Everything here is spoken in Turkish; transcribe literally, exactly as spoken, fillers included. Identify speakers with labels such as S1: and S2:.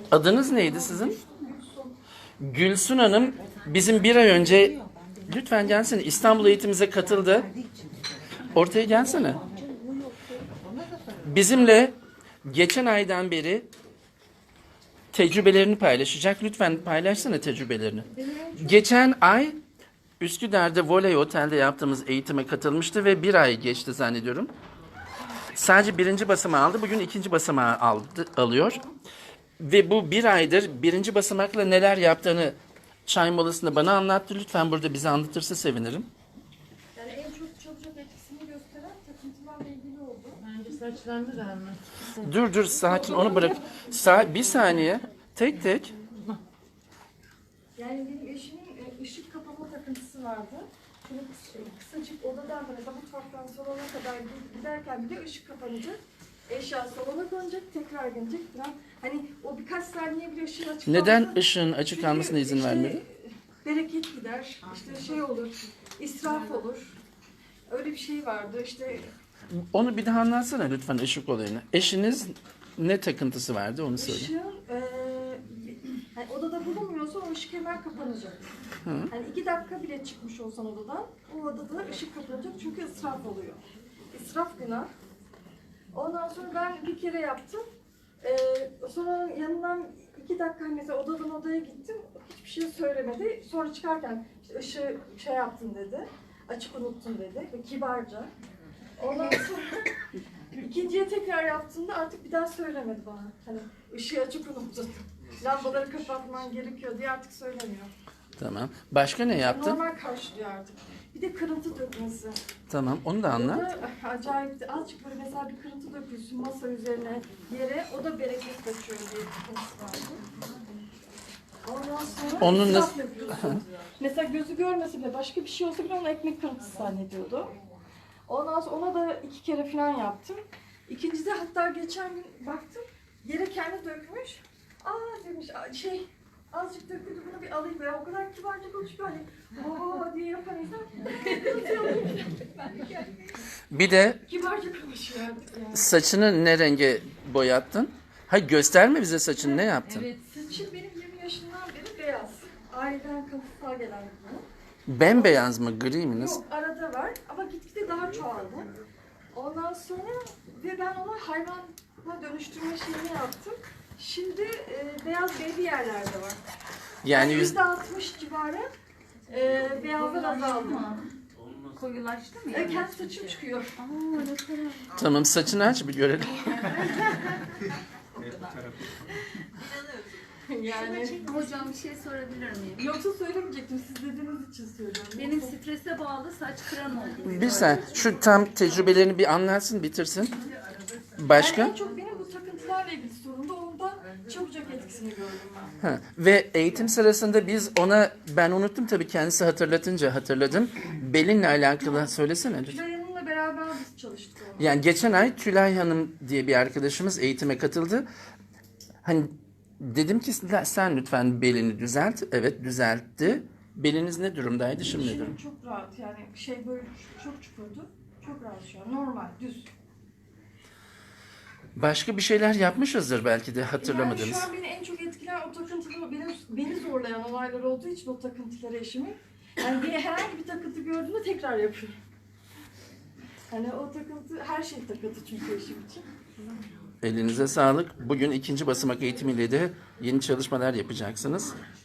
S1: Adınız neydi sizin? Gülsün Hanım bizim bir ay önce lütfen gelsene İstanbul eğitimimize katıldı. Ortaya gelsene. Bizimle geçen aydan beri tecrübelerini paylaşacak. Lütfen paylaşsana tecrübelerini. Geçen ay Üsküdar'da Voley Otel'de yaptığımız eğitime katılmıştı ve bir ay geçti zannediyorum. Sadece birinci basamağı aldı. Bugün ikinci basamağı aldı, alıyor. Ve bu bir aydır birinci basamakla neler yaptığını çay molasında bana anlattı. Lütfen burada bize anlatırsa sevinirim.
S2: Yani en çok çabucak etkisini gösteren takıntılarla ilgili oldu.
S3: Bence saçlarını da anlat.
S1: Dur dur sakin onu bırak. Sa bir saniye. Tek tek.
S2: Yani benim eşimin e, ışık kapama takıntısı vardı. Şöyle kıs- kısacık odadan mesela mutfaktan salona kadar giderken bir de ışık kapanacak. Eşya salona konacak, tekrar gelecek falan. Hani o birkaç saniye bile ışığın açık
S1: Neden
S2: kalması-
S1: ışığın açık
S2: Çünkü
S1: kalmasına izin
S2: işte
S1: vermedi?
S2: bereket gider, işte şey olur, israf olur. Öyle bir şey vardı işte.
S1: Onu bir daha anlatsana lütfen ışık olayını. Eşiniz ne takıntısı vardı onu söyle.
S2: Işığın eee hani odada bulunmuyorsa o ışık hemen kapanacak. Hani iki dakika bile çıkmış olsan odadan, o odada ışık kapanacak çünkü israf oluyor. İsraf günah. Ondan sonra ben bir kere yaptım. Eee sonra yanından iki dakika mesela odadan odaya gittim. Hiçbir şey söylemedi. Sonra çıkarken işte ışığı şey yaptın dedi. Açık unuttum dedi. Ve kibarca. Ondan sonra ikinciye tekrar yaptığımda artık bir daha söylemedi bana. Hani ışığı açık unuttun. Lambaları kapatman gerekiyor diye artık söylemiyor.
S1: Tamam. Başka ne yaptın?
S2: Normal karşılıyor artık. Bir de kırıntı dökmesi.
S1: Tamam onu da
S2: O
S1: anlat.
S2: da acayip. Azıcık böyle mesela bir kırıntı dökülsün masa üzerine yere. O da bereket kaçıyor diye bir sıkıntısı vardı. Ondan sonra
S1: Onun
S2: israf
S1: nasıl-
S2: yapıyorsun. Mesela gözü görmese bile başka bir şey olsa bile onu ekmek kırıntısı zannediyordu. Ondan sonra ona da iki kere falan yaptım. İkincide hatta geçen gün baktım yere kendi dökmüş. Aa demiş "Aa, şey azıcık döküldü bunu bir alayım böyle o kadar kibarca konuşuyor hani aa diye yapan insan
S1: Bir de
S2: kibarca konuşuyor artık yani.
S1: saçını ne renge boyattın? Hayır gösterme bize saçını ne yaptın?
S2: Evet saçım benim yirmi yaşından beri beyaz. Aileden kalıtsal gelen bir konu.
S1: Bembeyaz mı gri mi nasıl?
S2: Yok arada var ama gitgide daha çoğaldı. Ondan sonra ve ben onu hayvana dönüştürme şeyini yaptım. Şimdi e, beyaz belli yerlerde var.
S1: Yani yüz...
S2: yüzde altmış civarı e, beyazlar azaldı.
S3: Koyulaştı mı?
S2: E, kendi saçım çıkıyor.
S3: Aa, ne kadar.
S1: Tamam saçını aç bir görelim.
S2: Yani
S3: Hocam bir şey sorabilir miyim?
S2: yoksa söylemeyecektim siz dediğiniz için söylüyorum.
S3: Benim strese bağlı saç kıran oldu.
S1: Bir sen şu tam tecrübelerini bir anlatsın bitirsin.
S2: Yani
S1: Başka?
S2: en çok benim bu takıntılarla ilgili sorunda onda çabucak etkisini gördüm ben.
S1: Ha. Ve eğitim sırasında biz ona ben unuttum tabii kendisi hatırlatınca hatırladım. Belinle alakalı söylesene lütfen.
S2: Tülay Hanım'la beraber biz çalıştık onu.
S1: Yani geçen ay Tülay Hanım diye bir arkadaşımız eğitime katıldı. Hani dedim ki sen lütfen belini düzelt. Evet düzeltti. Beliniz ne durumdaydı şimdi ne durum?
S2: Şimdi çok rahat yani şey böyle çok çukurdu. Çok rahat şu an normal düz.
S1: Başka bir şeyler yapmışızdır belki de hatırlamadınız.
S2: Yani şu an beni en çok etkilen o takıntılı, benim, beni zorlayan olaylar olduğu için o takıntıları eşimin. Yani bir, herhangi bir takıntı gördüğümde tekrar yapıyorum. Hani o takıntı, her şey takıntı çünkü eşim için.
S1: Elinize sağlık. Bugün ikinci basamak eğitimiyle de yeni çalışmalar yapacaksınız.